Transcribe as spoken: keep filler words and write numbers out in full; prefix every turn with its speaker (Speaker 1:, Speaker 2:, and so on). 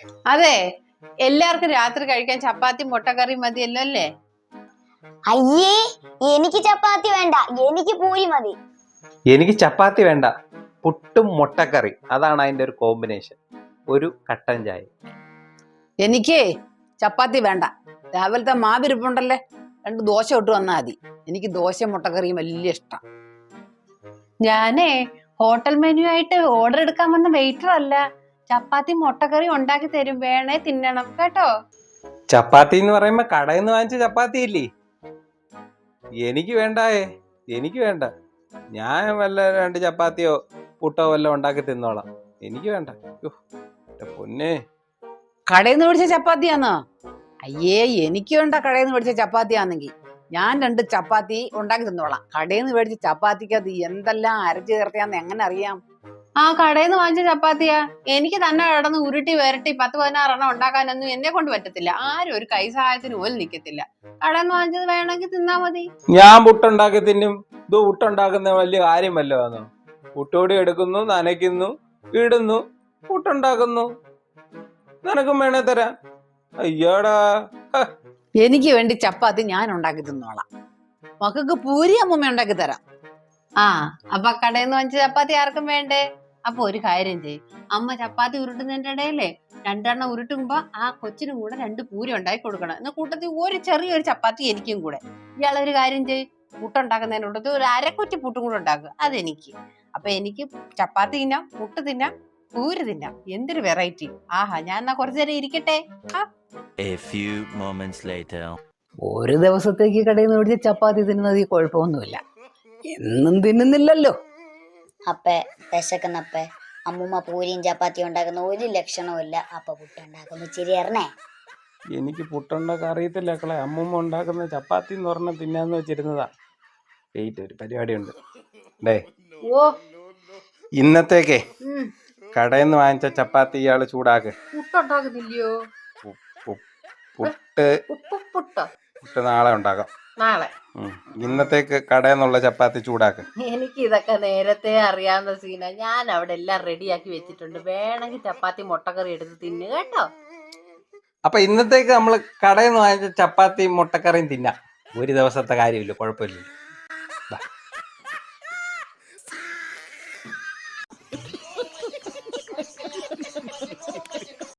Speaker 1: അതെ, എല്ലാവർക്കും രാത്രി കഴിക്കാൻ ചപ്പാത്തി മുട്ടക്കറി മതിയല്ലോ അല്ലേ?
Speaker 2: അയ്യേ, എനിക്ക് ചപ്പാത്തി വേണ്ട, എനിക്ക് പൂരി മതി.
Speaker 3: എനിക്ക് ചപ്പാത്തി വേണ്ട, പുട്ടും മുട്ടക്കറി, അതാണ് അതിന്റെ ഒരു കോമ്പിനേഷൻ. ഒരു കട്ടൻ ചായ.
Speaker 4: എനിക്ക് ചപ്പാത്തി വേണ്ട, രാവിലത്തെ മാവിരിപ്പുണ്ടല്ലേ, രണ്ട് ദോശ ഇട്ട് വന്നാൽ മതി. എനിക്ക് ദോശ മുട്ടക്കറിയും വലിയ ഇഷ്ടം.
Speaker 1: ഞാനേ ഹോട്ടൽ മെനു ആയിട്ട് ഓർഡർ എടുക്കാൻ വന്ന വെയിറ്റർ അല്ല, ചപ്പാത്തി മുട്ടക്കറി ഉണ്ടാക്കി തരും, വേണേ തിന്നണം കേട്ടോ.
Speaker 3: ചപ്പാത്തി എന്ന് പറയുമ്പോ കടയിൽ നിന്ന് വാങ്ങിച്ച ചപ്പാത്തി ഇല്ലേ? എനിക്ക് വേണ്ടായേ, എനിക്ക് വേണ്ട. ഞാൻ വല്ല രണ്ട് ചപ്പാത്തിയോ പുട്ടോ വല്ല ഉണ്ടാക്കി തിന്നോളാം. എനിക്ക് വേണ്ട. പൊന്നെ,
Speaker 4: കടയിൽ നിന്ന് മേടിച്ച ചപ്പാത്തിയാന്നോ? അയ്യേ, എനിക്ക് വേണ്ട കടയിൽ നിന്ന് മേടിച്ച ചപ്പാത്തിയാണെങ്കിൽ. ഞാൻ രണ്ട് ചപ്പാത്തി ഉണ്ടാക്കി തിന്നോളാം. കടയിൽ നിന്ന് മേടിച്ച ചപ്പാത്തിക്ക് അത് എന്തെല്ലാം അരച്ചു ചേർത്തിയാന്ന് എങ്ങനെ അറിയാം?
Speaker 1: ആ കടയിൽ നിന്ന് വാങ്ങിച്ച ചപ്പാത്തിയാ. എനിക്ക് തന്നെ കിടന്ന് ഉരുട്ടി വരട്ടി പത്ത് പതിനാറെണ്ണം ഉണ്ടാക്കാനൊന്നും എന്നെ കൊണ്ട് പറ്റത്തില്ല. ആരും ഒരു കൈ സഹായത്തിന് പോലും നിൽക്കത്തില്ല. കടയിൽ നിന്ന് വാങ്ങിച്ചത് വേണമെങ്കിൽ തിന്നാ മതി.
Speaker 3: ഞാൻ പുട്ടുണ്ടാക്കി തിന്നും. ഇത് പുട്ടുണ്ടാക്കുന്ന വലിയ കാര്യം വല്ലതാണോ? പുട്ടോടി എടുക്കുന്നു, നനയ്ക്കുന്നു, ഇടുന്നു, പുട്ടുണ്ടാക്കുന്നു. നിനക്കും വേണേ തരാം. അയ്യോടാ,
Speaker 4: എനിക്ക് വേണ്ടി ചപ്പാത്തി ഞാൻ ഉണ്ടാക്കി തിന്നോളാം. മക്കൾക്ക് പൂരി അമ്മൂമ്മ ഉണ്ടാക്കി തരാം.
Speaker 1: ആ അപ്പൊ കടയിൽ നിന്ന് വാങ്ങിച്ച ചപ്പാത്തി ആർക്കും വേണ്ടേ? അപ്പൊ ഒരു കാര്യം ചെയ്യ്, അമ്മ ചപ്പാത്തി ഉരുട്ടുന്നതിന്റെ ഇടയിലേ രണ്ടെണ്ണം ഉരുട്ടുമ്പോ ആ കൊച്ചിനും കൂടെ രണ്ട് പൂരി ഉണ്ടാക്കി കൊടുക്കണം. എന്ന കൂട്ടത്തിൽ ഒരു ചെറിയൊരു ചപ്പാത്തി എനിക്കും കൂടെ. ഇയാളൊരു കാര്യം ചെയ്യ്, പുട്ടുണ്ടാക്കുന്നതിൻ്റെ കൂട്ടത്തിൽ ഒരു അരക്കുറ്റി പുട്ടും കൂടെ ഉണ്ടാക്കുക, അതെനിക്ക്. അപ്പൊ എനിക്ക് ചപ്പാത്തി തിന്നാം, പുട്ട് തിന്നാം, പൂരി തിന്നാം. എന്തൊരു വെറൈറ്റി! ആഹാ, ഞാൻ എന്നാ കുറച്ചു നേരം ഇരിക്കട്ടെ.
Speaker 4: ഒരു ദിവസത്തേക്ക് കടയിൽ നിന്ന് മേടിച്ച ചപ്പാത്തി തിന്നുന്നത് ഈ കുഴപ്പമൊന്നുമില്ല, എന്നും തിന്നുന്നില്ലല്ലോ.
Speaker 2: അപ്പേ വിശക്കുന്നപ്പേ അമ്മൂമ്മ പൂരിയും ചപ്പാത്തിയും ഉണ്ടാക്കുന്ന ഒരു ലക്ഷണവും ഇല്ല. അപ്പൊ പുട്ടുണ്ടാക്കുന്നു ഇച്ചിരി അറിഞ്ഞേ.
Speaker 3: എനിക്ക് പുട്ടുണ്ടാക്കാൻ അറിയത്തില്ല മക്കളെ. അമ്മൂമ്മ ഉണ്ടാക്കുന്ന ചപ്പാത്തി എന്ന് പറഞ്ഞാൽ തിന്നാന്ന് വെച്ചിരുന്നതാ. വെയിറ്റ്, ഒരു പരിപാടി ഉണ്ട്. ഡേ,
Speaker 1: ഓ,
Speaker 3: ഇന്നത്തേക്കേ കടയിൽ നിന്ന് വാങ്ങിച്ച ചപ്പാത്തി ഇയാള് ചൂടാക്ക്.
Speaker 1: പുട്ടുണ്ടാക്കുന്നില്ലയോ?
Speaker 3: പുട്ട്
Speaker 1: പുട്ടോ?
Speaker 3: പുട്ട് നാളെ ഉണ്ടാക്കാം.
Speaker 1: നാളെ?
Speaker 3: ഇന്നത്തേക്ക് കടയിൽ നിന്നുള്ള ചപ്പാത്തി ചൂടാക്ക്.
Speaker 1: എനിക്ക് ഇതൊക്കെ നേരത്തെ അറിയാവുന്ന സീന. ഞാൻ അവിടെ എല്ലാം റെഡിയാക്കി വെച്ചിട്ടുണ്ട്. വേണമെങ്കിൽ ചപ്പാത്തി മുട്ടക്കറി എടുത്ത് തിന്നു കേട്ടോ.
Speaker 3: അപ്പൊ ഇന്നത്തേക്ക് നമ്മള് കടയിൽ നിന്ന് വാങ്ങിച്ച ചപ്പാത്തി മുട്ടക്കറിയും തിന്നാം. ഒരു ദിവസത്തെ കാര്യമില്ല, കുഴപ്പമില്ല.